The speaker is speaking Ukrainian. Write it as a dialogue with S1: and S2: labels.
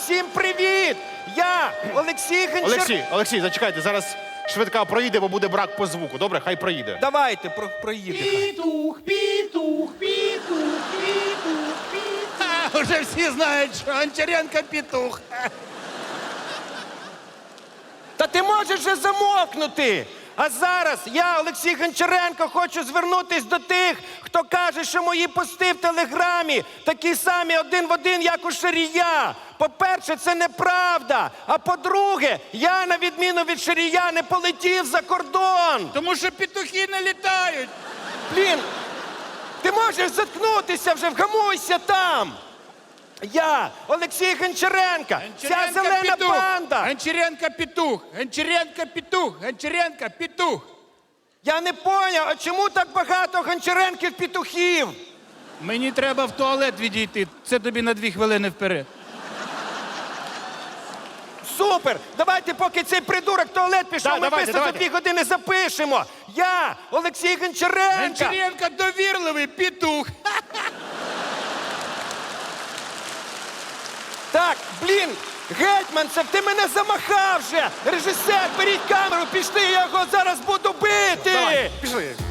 S1: всім привіт! Я Олексій Гончаренко.
S2: Олексій, зачекайте, зараз швидка проїде, бо буде брак по звуку. Добре, хай проїде.
S1: Давайте, проїде.
S3: Петух, петух, петух, петух, петух. Уже всі знають, що Гончаренко петух.
S1: Та ти можеш вже замовкнути! А зараз я, Олексій Гончаренко, хочу звернутись до тих, хто каже, що мої пости в Телеграмі такі самі один в один, як у Шарія. По-перше, це неправда. А по-друге, я, на відміну від Шарія, не полетів за кордон.
S3: Тому що петухи не літають.
S1: Блін, ти можеш заткнутися вже, вгамуйся там. Я, Олексій Гончаренко, ця зелена банда.
S3: Гончаренко петух, Гончаренко петух, Гончаренко петух.
S1: Я не поняв, а чому так багато Гончаренків-петухів?
S3: Мені треба в туалет відійти. Це тобі на 2 хвилини вперед.
S1: Супер! Давайте, поки цей придурок в туалет пішов,
S2: Да,
S1: ми
S2: давайте,
S1: за
S2: давайте.
S1: 2 години запишемо. Я, Олексій Гончаренко.
S3: Гончаренко довірливий петух.
S1: Так, блін, Гетьманцев, ти мене замахав вже. Режисер, беріть камеру, пішли, я його зараз буду бити.
S2: Давай, пішли.